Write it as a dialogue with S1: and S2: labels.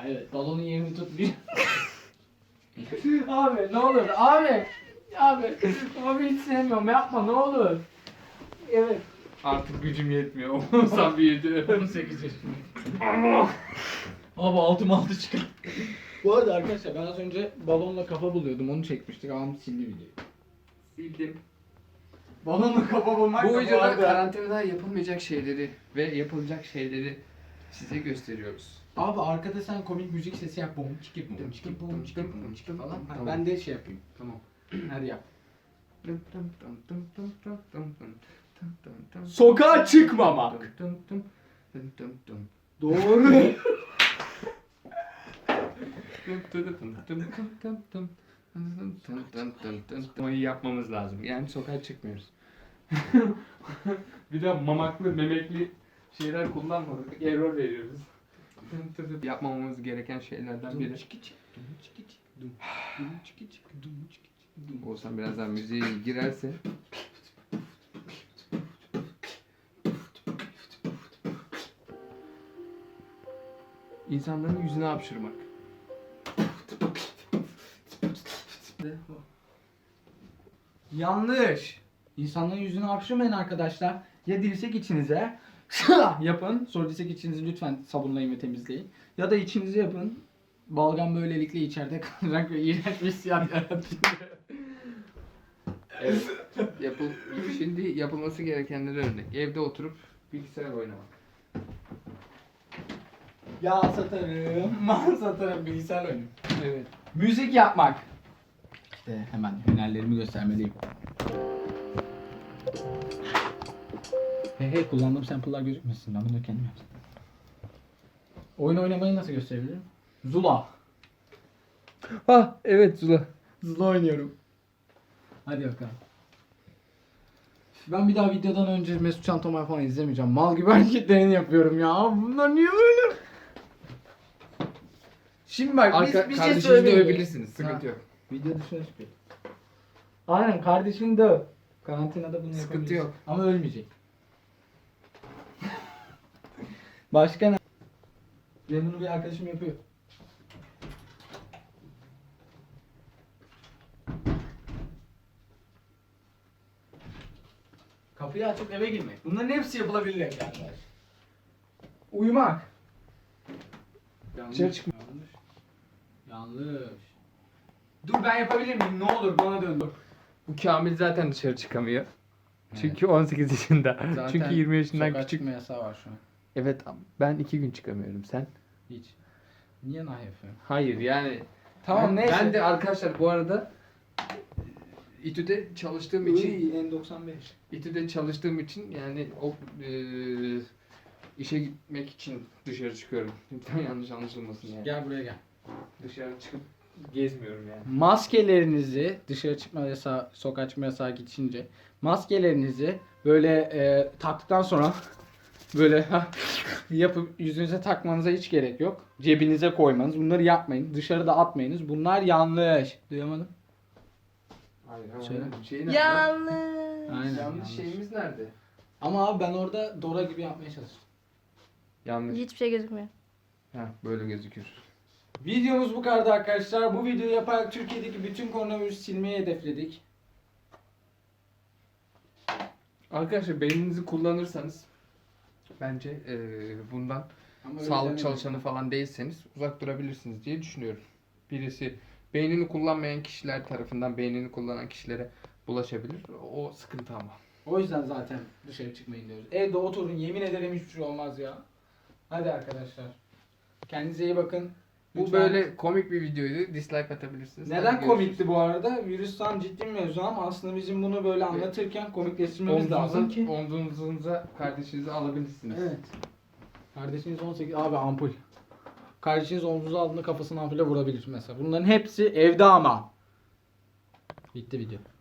S1: evet. Balonun yerini tutmuyor. Abi ne olur abi. Abi hiç sevmiyorum, yapma ne olur. Evet.
S2: Artık gücüm yetmiyor. Oğuzhan büyüdü.
S1: 18 yaşındayım. Abi altı çıkar. Bu arada arkadaşlar ben az önce balonla kafa buluyordum, onu çekmiştik, ağam sildi videoyu.
S2: Sildim.
S1: Balonla kafa bulmak
S2: Bu
S1: da
S2: videoda
S1: arada-
S2: karantinada yapılmayacak şeyleri ve yapılacak şeyleri size gösteriyoruz.
S1: Abi arkada sen komik müzik sesi yap, bom çiki bom çiki bom çiki bom çiki falan.
S2: Tamam.
S1: Ben de şey yapayım.
S2: Tamam.
S1: Hadi yap.
S2: Sokağa çıkmamak.
S1: Doğru.
S2: Ama iyi yapmamız lazım. Yani sokağa çıkmıyoruz. Bir de mamaklı, memekli şeyler kullanmadık. Error veriyoruz. Yapmamamız gereken şeylerden biri. Olsan birazdan müziğe girerse. İnsanların yüzüne hapşırmak.
S1: Yanlış. İnsanların yüzüne hapşırmayın arkadaşlar. Ya dirsek içinize yapın. Sonra dirsek içinizi lütfen sabunlayın ve temizleyin. Ya da içinizi yapın. Balgam böylelikle içeride kalacak ve iğrenç bir hissiyat yaratıyor.
S2: Evet. Şimdi yapılması gerekenlere örnek. Evde oturup bilgisayar oynamak.
S1: Yağ satarım, mal satarım, bilgisayar oyunu.
S2: Evet.
S1: Müzik yapmak. İşte hemen hünerlerimi göstermeliyim. Hey kullandığım sample'lar gözükmesin, ben bunu kendim yaptım. Oyun oynamayı nasıl gösterebilirim? Zula.
S2: Ah evet Zula.
S1: Zula oynuyorum. Hadi bakalım. Ben bir daha videodan önce Mesut Can Tomay falan izlemeyeceğim. Mal gibi hareketlerini yapıyorum ya. Bunlar niye böyle? Şimdi bak bir şey
S2: Kardeşinizi
S1: söyleyeyim.
S2: dövebilirsiniz. Sıkıntı
S1: Ha.
S2: yok.
S1: Video dışına çıkıyor. Aynen kardeşini döv. Karantinada bunu
S2: Sıkıntı
S1: yapabilirsin.
S2: yok.
S1: Ama ölmeyecek. Başka ne? Benim bunu bir arkadaşım yapıyor. Kapıyı açıp eve girmek. Bunların hepsi yapılabilir yani. Uyumak. Dışarı çıkma. Yanlış. Dur ben yapabilir miyim? Ne olur bana dön.
S2: Bu Kamil zaten dışarı çıkamıyor. Çünkü 18 yaşında.
S1: Zaten
S2: Çünkü 20 yaşından
S1: sokağa
S2: küçük.
S1: çıkma yasağı var şu an.
S2: Evet ben 2 gün çıkamıyorum. Sen?
S1: Hiç. Niye nah yapıyorsun?
S2: Hayır yani.
S1: Tamam, neyse.
S2: Ben de arkadaşlar bu arada İTÜ'de çalıştığım için
S1: N95.
S2: İTÜ'de çalıştığım için yani o işe gitmek için dışarı çıkıyorum. Lütfen yanlış anlaşılmasın yani.
S1: Gel buraya gel.
S2: Dışarı çıkıp gezmiyorum yani.
S1: Maskelerinizi dışarı çıkma yasağı, sokağa çıkma yasağı geçince maskelerinizi böyle taktıktan sonra böyle yapıp yüzünüze takmanıza hiç gerek yok. Cebinize koymanız. Bunları yapmayın. Dışarıda atmayınız. Bunlar yanlış. Duyamadım.
S2: Hayır,
S1: Söyle.
S2: şey nerede?
S3: Yanlış.
S1: Aynen.
S2: Yanlış şeyimiz nerede?
S1: Ama abi ben orada Dora gibi yapmaya çalıştım.
S2: Yanlış.
S3: Hiçbir şey gözükmüyor.
S2: Ha böyle gözüküyor.
S1: Videomuz bu kadar arkadaşlar. Bu videoyu yaparak Türkiye'deki bütün koronavirüsü silmeyi hedefledik.
S2: Arkadaşlar beyninizi kullanırsanız bence bundan
S1: Ama öyle
S2: sağlık
S1: demedim.
S2: çalışanı falan değilseniz uzak durabilirsiniz diye düşünüyorum. Birisi beynini kullanmayan kişiler tarafından beynini kullanan kişilere bulaşabilir. O sıkıntı ama.
S1: O yüzden zaten dışarı çıkmayın diyoruz. Evde oturun, yemin ederim hiçbir şey olmaz ya. Hadi arkadaşlar. Kendinize iyi bakın.
S2: Bu
S1: Lütfen.
S2: böyle komik bir videoydu. Dislike atabilirsiniz.
S1: Neden
S2: Hadi
S1: komikti bu arada? Virüs tam ciddi mevzu ama aslında bizim bunu böyle anlatırken komikleştirmemiz lazım ki.
S2: Omzunuza kardeşinizi alabilirsiniz.
S1: Evet. Kardeşiniz 18 abi ampul. Kardeşiniz omzunuza aldığında kafasını ampule vurabilir mesela. Bunların hepsi evde ama. Bitti video.